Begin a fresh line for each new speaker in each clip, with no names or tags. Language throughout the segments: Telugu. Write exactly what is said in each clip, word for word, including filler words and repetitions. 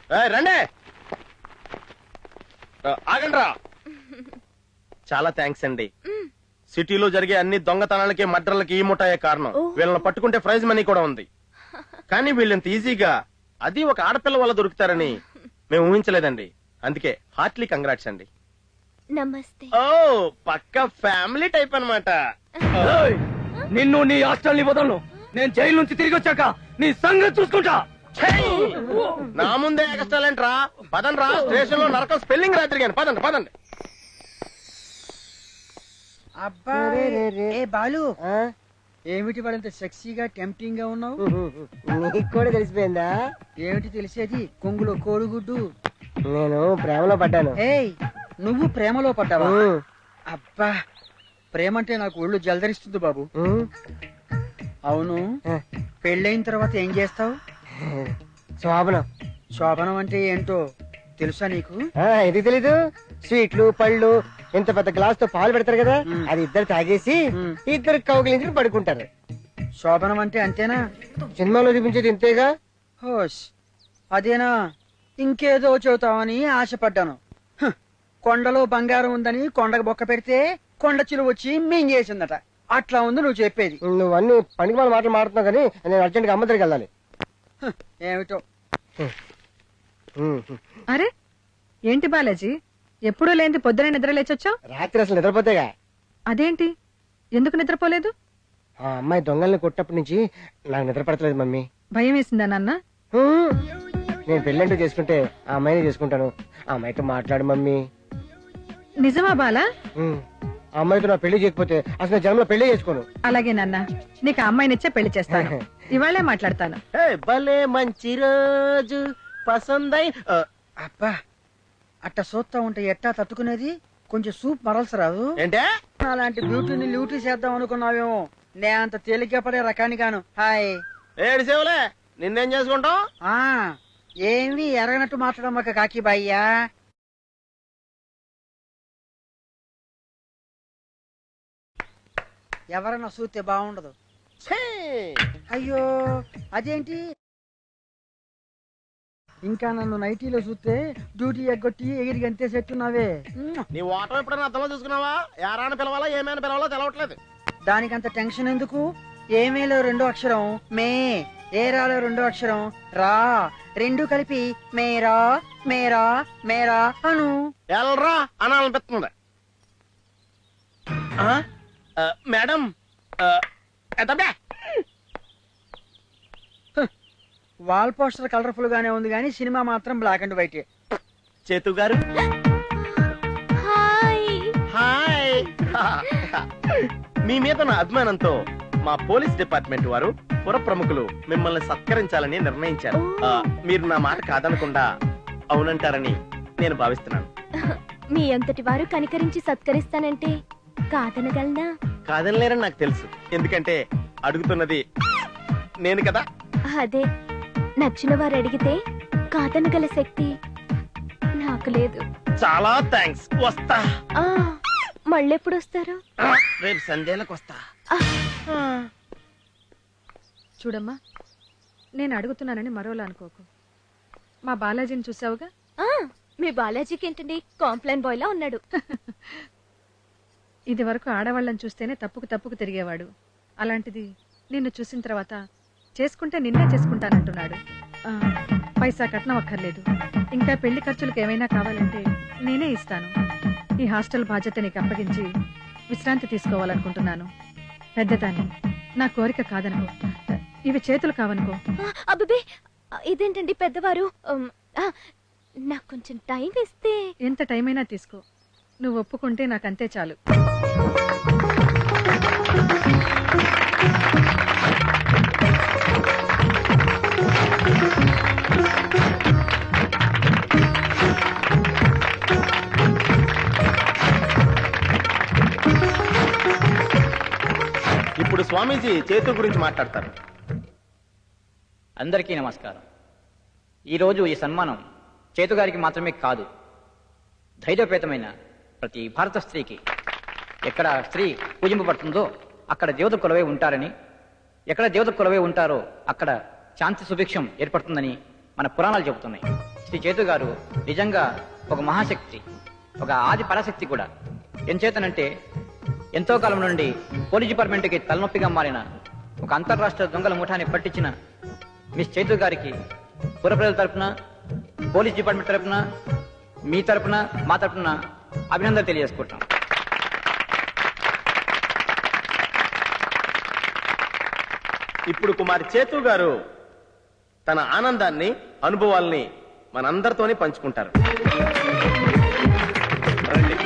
రండి ఆగండి రా. చాలా థ్యాంక్స్ అండి. సిటీలో జరిగే అన్ని దొంగతనాలకి మర్డర్లకి ఈ ముఠాయే కారణం. వీళ్ళని పట్టుకుంటే ప్రైజ్ మనీ కూడా ఉంది. కానీ వీళ్ళంత ఈజీగా అది ఒక ఆడపిల్ల వల్ల దొరుకుతారని మేము ఊహించలేదండి. అందుకే హార్ట్లీ కంగ్రాట్స్ అండి.
నమస్తే.
ఓ పక్క ఫ్యామిలీ టైప్ అన్నమాట.
నిన్ను నీ హాస్టల్ వదలను. నేను జైలు నుంచి తిరిగి వచ్చాక నీ సంగతి చూసుకుంటా.
నా ముందే ఎక్స్టాలెంట్ రా. పదండి రా, స్టేషన్ లో నరకం స్పెల్లింగ్ రాత్రి కానీ. పదండి పదండి.
అబ్బా ఏ బాలు, ఏమిటి వాడంత సెక్సీగా టెంప్టింగ్ గా ఉన్నావు?
నీకు కూడా తెలిసిపోయిందా?
ఏమిటి తెలిసేది? కొంగులో కోడిగుడ్డు.
నేను ప్రేమలో పడ్డాను.
ఏయ్, నువ్వు ప్రేమలో పడ్డావా? అబ్బా, ప్రేమ అంటే నాకు ఒళ్ళు జలదరిస్తుంది బాబు. అవును, పెళ్ళైన తర్వాత ఏం చేస్తావు?
శోభనం.
శోభనం అంటే ఏంటో తెలుసా నీకు?
ఇది తెలీదు? స్వీట్లు పళ్ళు ఇంత పెద్ద గ్లాస్ తో పాలు పెడతారు కదా, అది ఇద్దరు తాగేసి ఇద్దరు కౌగిలించి పడుకుంటారు.
శోభనం అంటే అంతేనా?
సినిమాలో చూపించేది ఇంతేగా.
హోష్, అదేనా? ఇంకేదో చెబుతావని ఆశపడ్డాను. కొండలో బంగారం ఉందని కొండకు బొక్క పెడితే కొండ చిలువ వచ్చి మింగేసిందట. అట్లా ఉంది నువ్వు చెప్పేది.
నువ్వు అన్ని పనికి మాల మాటలు మాడుతున్నావు కానీ నేను అర్జెంట్ గా అమ్మ దగ్గరికి వెళ్ళాలి.
ఏమిటో.
అరే ఏంటి బాలాజీ, ఎప్పుడూ లేని పొద్దున నిద్ర లేచొచ్చావు?
రాత్రి అసలు నిద్రపోతేగా.
అదేంటి, ఎందుకు నిద్రపోలేదు?
ఆ అమ్మాయి దొంగల్ని కొట్టప్పటి నుంచి నాకు నిద్ర పడతలేదు మమ్మీ.
భయం వేసిందా నాన్న?
నేను పెళ్ళంటూ చేసుకుంటే ఆ అమ్మాయిని చేసుకుంటాను. ఆ అమ్మాయితో మాట్లాడు మమ్మీ.
నిజమా బాలా?
ఆ అమ్మాయితో నా పెళ్లి చేయకపోతే అసలు జన్మలో పెళ్లి చేసుకోను.
అలాగే నాన్న, నీకు ఆ అమ్మాయినిచ్చే పెళ్లి చేస్తాను. ఇవాళే మాట్లాడతాను.
భలే మంచి రోజు పసందై.
అబ్బా, అట్ట సూత్తా ఉంటే ఎట్టా తట్టుకునేది? కొంచెం సూప్ మరల్సి రాదు?
ఏంటే
అలాంటి బ్యూటీని ల్యూటీ చేద్దాం అనుకున్నావేమో. నే అంత తేలిగ్గా పడే రకాని గాను. హాయ్
ఏడు సేవలే, నిన్నేం చేసుకుంటావు?
ఆ ఏమి ఎరగనట్టు మాట్లాడమ్మక కాకి బాయ్యా. ఎవరన్నా చూస్తే బాగుండదు. అయ్యో అదేంటి, ఇంకా నన్ను నైటీలో చూస్తే డ్యూటీ ఎగ్గొట్టి ఎగిరి గంతే సెట్టున్నావే.
నీ ఓటం ఎప్పుడైనా అర్థంలో చూసుకున్నావా? యారాని పిలవాలా ఏమైనా పిలవాలో తెలవట్లేదు.
దానికంత టెన్షన్ ఎందుకు? ఏమేలో రెండో అక్షరం మే, ఏరాలో రెండో అక్షరం రా, రెండు కలిపి మేరా మేరా మేరా అను.
ఎల్రా అనాలనిపిస్తుంది. మేడం
వాల్ పోస్టర్ కలర్ఫుల్ గానే ఉంది కానీ సినిమా మాత్రం బ్లాక్ అండ్ వైట్.
చేతు గారు హాయ్. మీ మీద నా అభిమానంతో మా పోలీస్ డిపార్ట్మెంట్ వారు పుర ప్రముఖులు మిమ్మల్ని సత్కరించాలని నిర్ణయించారు. మీరు నా మాట కాదనకుండా అవునంటారని నేను భావిస్తున్నాను.
మీ అంతటి వారు కనికరించి సత్కరిస్తానంటే కాదనగలనా?
కాదనలేరని నాకు తెలుసు, ఎందుకంటే అడుగుతున్నది నేను కదా.
అదే, నచ్చిన వారు అడిగితే కాదనగల శక్తి నాకు లేదు.
చాలా థ్యాంక్స్. వస్తా.
మళ్ళెప్పుడు వస్తారు?
రేపు సంధ్యలకు వస్తా.
చూడమ్మా, నేను అడుగుతున్నానని మరోలా అనుకోకు. మా బాలాజీని చూసావుగా?
మీ బాలాజీకి ఏంటండి, కాంప్లైన్ బాయ్ లా ఉన్నాడు.
ఇది వరకు ఆడవాళ్ళని చూస్తేనే తప్పుకు తప్పుకు తిరిగేవాడు. అలాంటిది నిన్ను చూసిన తర్వాత చేసుకుంటే నిన్నే చేసుకుంటానంటున్నాడు. పైసా కట్నం అక్కర్లేదు. ఇంకా పెళ్లి ఖర్చులకు ఏమైనా కావాలంటే నేనే ఇస్తాను. ఈ హాస్టల్ బాధ్యత నీకు అప్పగించి విశ్రాంతి తీసుకోవాలనుకుంటున్నాను. పెద్దదాన్ని, నా కోరిక కాదనుకో, ఇవి చేతులు కావనుకో.
అబ్బే, ఇదేంటండి పెద్దవారు? నాకు కొంచెం టైం ఇస్తే.
ఎంత టైం అయినా తీసుకో, నువ్వు ఒప్పుకుంటే నాకంతే చాలు.
ఇప్పుడు స్వామీజీ చేతుల గురించి మాట్లాడతారు.
అందరికీ నమస్కారం. ఈరోజు ఈ సన్మానం చేతుగారికి మాత్రమే కాదు, ధైర్యపేతమైన ప్రతి భారత స్త్రీకి. ఎక్కడ స్త్రీ పూజింపబడుతుందో అక్కడ దేవత కొలవై ఉంటారని, ఎక్కడ దేవత కొలవై ఉంటారో అక్కడ శాంతి సుభిక్షం ఏర్పడుతుందని మన పురాణాలు చెబుతున్నాయి. శ్రీ చేతు గారు నిజంగా ఒక మహాశక్తి, ఒక ఆది పరాశక్తి కూడా. ఎంచేతనంటే ఎంతో కాలం నుండి పోలీస్ డిపార్ట్మెంట్కి తలనొప్పిగా మారిన ఒక అంతర్రాష్ట్ర దొంగల ముఠాన్ని పట్టించిన మిస్ చేతు గారికి పుర ప్రజల తరపున, పోలీస్ డిపార్ట్మెంట్ తరపున, మీ తరపున, మా తరపున అభినందనలు తెలియజేసుకుంటాం.
ఇప్పుడు కుమారి చేతు గారు తన ఆనందాన్ని, అనుభవాల్ని మనందరితోనే పంచుకుంటారు. రండి.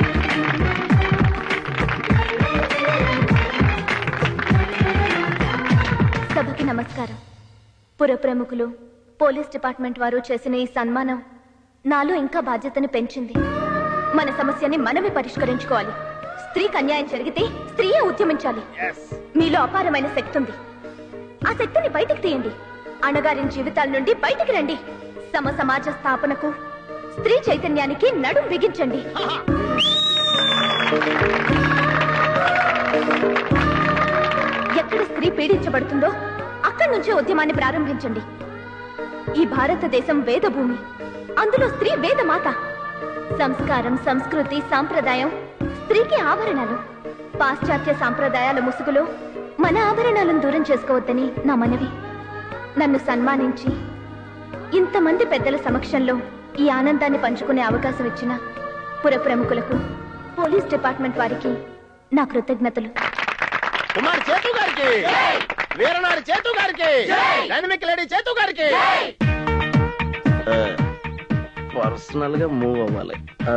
సభకి నమస్కారం. పుర ప్రముఖులు, పోలీస్ డిపార్ట్మెంట్ వారు చేసిన ఈ సన్మానం నాలో ఇంకా బాధ్యతని పెంచింది. మన సమస్యని మనమే పరిష్కరించుకోవాలి. స్త్రీకి అన్యాయం జరిగితే స్త్రీయే ఉద్యమించాలి. మీలో అపారమైన శక్తి ఉంది. ఆ శక్తిని బయటికి తీయండి. అణగారిన జీవితాల నుండి బయటికి రండి. సమ సమాజ స్థాపనకు, స్త్రీ చైతన్యానికి నడుం బిగించండి. ఎక్కడ స్త్రీ పీడించబడుతుందో అక్కడి నుంచే ఉద్యమాన్ని ప్రారంభించండి. ఈ భారతదేశం వేద భూమి. అందులో స్త్రీ వేదమాత. సంస్కారం, సంస్కృతి, సాంప్రదాయం స్త్రీకి ఆభరణాలు. పాశ్చాత్య సాంప్రదాయాల ముసుగులో మన ఆభరణాలను దూరం చేసుకోవద్దని నా మనవి. నన్ను సన్మానించి ఇంతమంది పెద్దల సమక్షంలో ఈ ఆనందాన్ని పంచుకునే అవకాశం ఇచ్చిన పుర ప్రముఖులకు, పోలీస్ డిపార్ట్మెంట్ వారికి నా కృతజ్ఞతలు.
కుమార్ చేతు గారికి, వీరనారి చేతు గారికి, డైనమిక్ లేడీ చేతు గారికి. పర్సనల్ గా మూవ్ అవ్వాలి.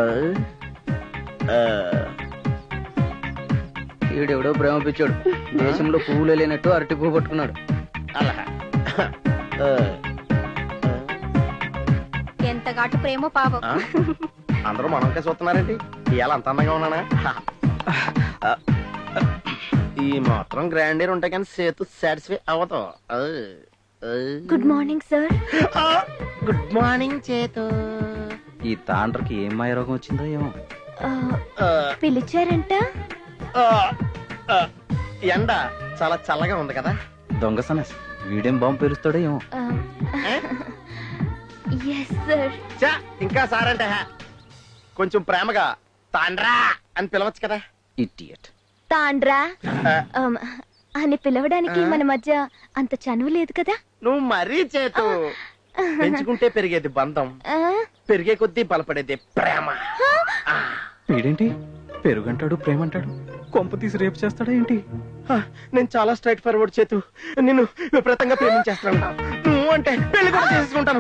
ఈడెవడో ప్రేమ పిచ్చాడు. దేశంలో పువ్వులు లేనట్టు అరటి పువ్వు పట్టుకున్నాడు.
అలా
ఎంత ఘాటు ప్రేమో పాపం.
అందరూ మనకే చూస్తున్నారేంటి? ఇవాళ అంత అందంగా ఉన్నానా? ఈ మాత్రం గ్రాండీర్ ఉంటాయి కానీ సేతు సాటిస్ఫై అవతాం.
Good morning sir.
Good morning చేతు.
ఈ తాండ్రకి ఏం మాయ రోగం వచ్చిందో ఏమో.
పిలిచారంట.
ఎండ చాలా చల్లగా ఉంది కదా.
దొంగ సనస్ వీడేం బాంబు పేలుస్తాడో ఏమో.
Yes sir.
చా ఇంకా సారంటే కొంచెం ప్రేమగా తాండ్రా అని పిలవచ్చు కదా.
ఇడియట్.
తాండ్రా um, అని పిలవడానికి మన మధ్య అంత చనువు లేదు కదా.
నువ్వు మరీ చేతు. పెంచుకుంటే పెరిగేది బంధం,
ఆ?
పెరిగే కొద్దీ బలపడేది ప్రేమ.
వీడేంటి పెరుగంటాడు, ప్రేమంటాడు. కొంప తీసి రేపు చేస్తాడా ఏంటి?
ఆ, నేను చాలా స్ట్రైట్ ఫార్వర్డ్ చేతు. నిన్ను విపరీతంగా ప్రేమించేస్తాను. నువ్వు అంటే పెళ్లి కూడా చేసుకుంటాను.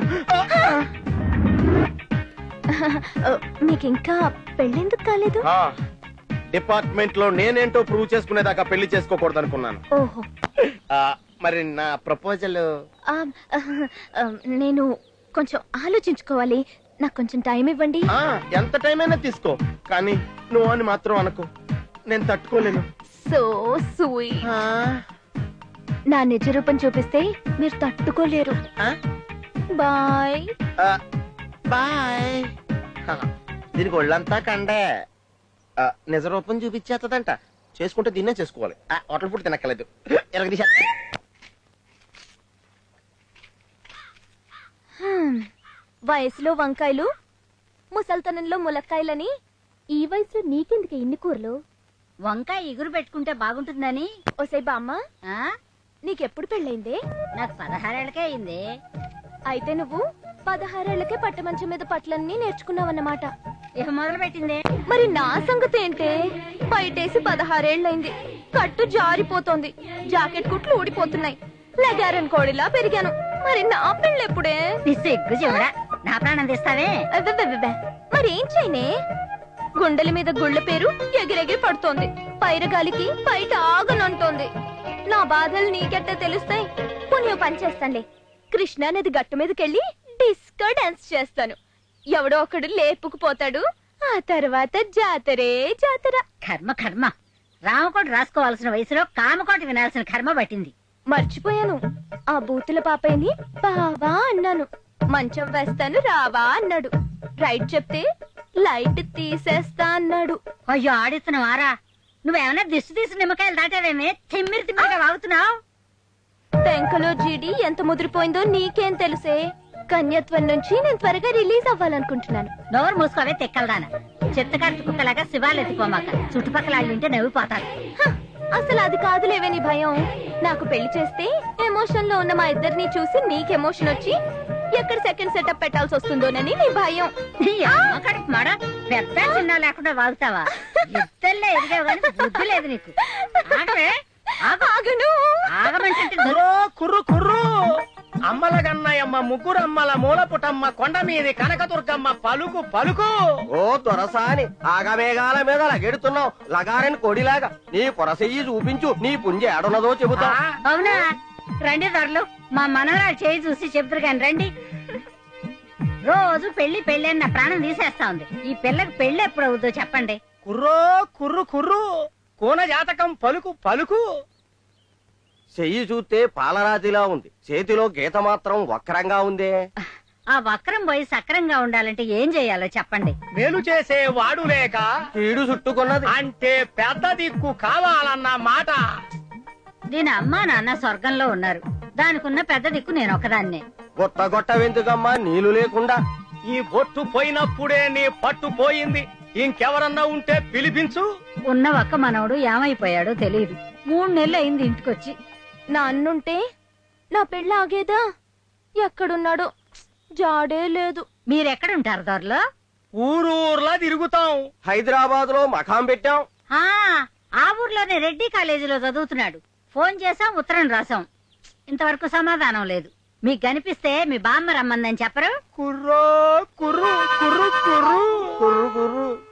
మీకు ఇంకా పెళ్ళెందుకు కాలేదు?
డిపార్ట్మెంట్ లో నేనేంటో ప్రూవ్ చేసుకునేదాకా పెళ్లి చేసుకోకూడదు అనుకున్నాను.
ఓహో.
మరి నా ప్రపోజల్
ఆ, ఆ, నేను కొంచెం ఆలోచించుకోవాలి. నాకు కొంచెం టైం ఇవ్వండి.
ఎంత టైం అయినా తీసుకో, కానీ నువ్వు అని మాత్రం అనుకో. నేను తట్టుకోలేను.
So sweet. నా నిజ రూపం చూపిస్తే మీరు తట్టుకోలేరు. Bye
bye. దీనికి ఒళ్ళంతా కండే. ఆ, నిజ రూపం చూపించేస్తుందంట. చేసుకుంటే దీన్నే చేసుకోవాలి. ఆ, హోటల్ ఫుడ్ తినక్కలేదు. ఎరగదీశ.
వయసులో వంకాయలు, ముసల్తనంలో ములక్కాయలని ఈ వయసులో నీకెందుకు ఇన్ని కూరలు?
వంకాయ ఎగురు పెట్టుకుంటే బాగుంటుందని.
ఓసై బామ్మ,
ఆ
నీకెప్పుడు పెళ్ళైందే?
నాకు పదహారేళ్ళకే అయింది.
అయితే నువ్వు పదహారేళ్లకే పట్టమంచం మీద పట్లన్నీ నేర్చుకున్నావన్నమాట.
ఇక మొదలు పెట్టింది.
మరి నా సంగతి ఏంటే? బయటేసి పదహారేళ్లైంది, కట్టు జారిపోతోంది, జాకెట్ కుట్లు ఊడిపోతున్నాయి, లగారన్ కోడిలా పెరిగాను. మరి నా పెళ్ళెప్పుడే?
సిగ్గు చెవుడా, నా ప్రాణం తీస్తావే.
అబ్బబ్బబ్బబ్బ. మరేం చేయనే? గుండెల మీద గుళ్ళ పేరు ఎగిరెగిరి పడుతోంది, పైరగాలికి బయట ఆగనంటోంది. నా బాధలు నీకెట్టా తెలుస్తాయి? పుణ్యం పని చేస్తానులే. కృష్ణా నది గట్టు మీదకెళ్ళి డిస్కో డాన్స్ చేస్తాను. ఎవడో ఒకడు లేపుకుపోతాడు. ఆ తర్వాత జాతరే జాతర.
కర్మ కర్మ. రామకోట రాసుకోవాల్సిన వయసులో కామకోట వినాల్సిన కర్మ పట్టింది.
మర్చిపోయాను. ఆ బూతుల పాపయ్యని బావా అన్నాను. మంచం వేస్తాను రావా అన్నాడు. రైట్ చెప్తే లైట్ తీసేస్తా అన్నాడు.
అయ్యో ఆడిస్తున్నావారా? నువ్వేమన్నా దిష్టి తీసి నిమ్మకాయలు దాటావేమే? తిమ్మిరి తిమ్మిరిగా వాగుతున్నావు.
పెంకలో జీడి ఎంత ముదిరిపోయిందో నీకేం తెలుసే? కన్యత్వం నుంచి నేను త్వరగా రిలీజ్ అవ్వాలనుకుంటున్నాను.
నోరు మూసుకోవే తెక్కలదాన. చెత్తకార్తి కుక్కలాగా శివాలు ఎత్తుకోమాక. చుట్టుపక్కల వాళ్ళు వింటే నవ్విపోతారు.
హ, అసలు అది కాదులేవే నీ భయం. నాకు పెళ్లి చేస్తే ఎమోషన్ లో ఉన్న మా ఇద్దరిని చూసి నీకు ఎమోషన్ వచ్చి ఎక్కడ సెకండ్ సెటప్ పెట్టాల్సి వస్తుందోనని నీ భయం.
నీ అమ్మ కడుపు మాడ పెద్ద చిన్న లేకుండా వాగుతావా? ఇద్దరులే ఎదిగావు కానీ బుద్ధి లేదు నీకు. ఆగవే, ఆగు.
ఆగను.
ఆగమంటే
కుర్రో కుర్రు కుర్రు అమ్మల గన్నయమ్మ ముగ్గురు అమ్మల మూలపుటమ్మ కొండ మీది కనకదుర్గమ్మ పలుకు పలుకు.
ఓ దొరసాని ఆగమేఘాల మీద లగెడుతున్నావు లగారని కొడిలాగా. నీ పొరసెయ్యి చూపించు, నీ పుంజ ఏడున్నదో చెబుతా.
అవునా? రండి దొరలు, మా మనవరాలు చేయి చూసి చెబుతారు కానీ రండి. రోజు పెళ్లి పెళ్లి అని నా ప్రాణం తీసేస్తా ఉంది. ఈ పిల్లకి పెళ్లి ఎప్పుడు అవుతుందో చెప్పండి.
కుర్రో కుర్రు కుర్రు కోన జాతకం పలుకు పలుకు.
చెయ్యి చూస్తే పాలరాతిలా ఉంది, చేతిలో గీత మాత్రం వక్రంగా ఉందే.
ఆ వక్రం పోయి సక్రంగా ఉండాలంటే ఏం చేయాలో చెప్పండి.
మేలు చేసే వాడు లేక
కీడు చుట్టుకున్నది.
అంటే పెద్ద దిక్కు కావాలన్న మాట.
దీని అమ్మా నాన్న స్వర్గంలో ఉన్నారు. దానికున్న పెద్ద దిక్కు నేను ఒకదాన్నే.
గొట్ట గొట్ట వెందుకమ్మా నీళ్లు లేకుండా?
ఈ బొట్టు పోయినప్పుడే నీ పట్టు పోయింది. ఇంకెవరన్నా ఉంటే పిలిపించు.
ఉన్న ఒక్క మనవడు ఏమైపోయాడో తెలియదు. మూడు నెలలు అయింది ఇంటికొచ్చి.
నా అన్నుంటే నా పెళ్ళి ఆగేదా? ఎక్కడున్నాడో జాడే లేదు.
మీరెక్కడుంటారు దొరలో?
ఊరూర్లా తిరుగుతాం.
హైదరాబాద్ లో మకాం పెట్టాం.
ఆ ఆ ఊర్లోనే రెడ్డి కాలేజీలో చదువుతున్నాడు. ఫోన్ చేసాం, ఉత్తరం రాసాం, ఇంతవరకు సమాధానం లేదు. మీకు కనిపిస్తే మీ బామ్మ రమ్మందని చెప్పరు?
కుర్రో కుర్రు కుర్రు కుర్రు
కుర్రు కుర్రు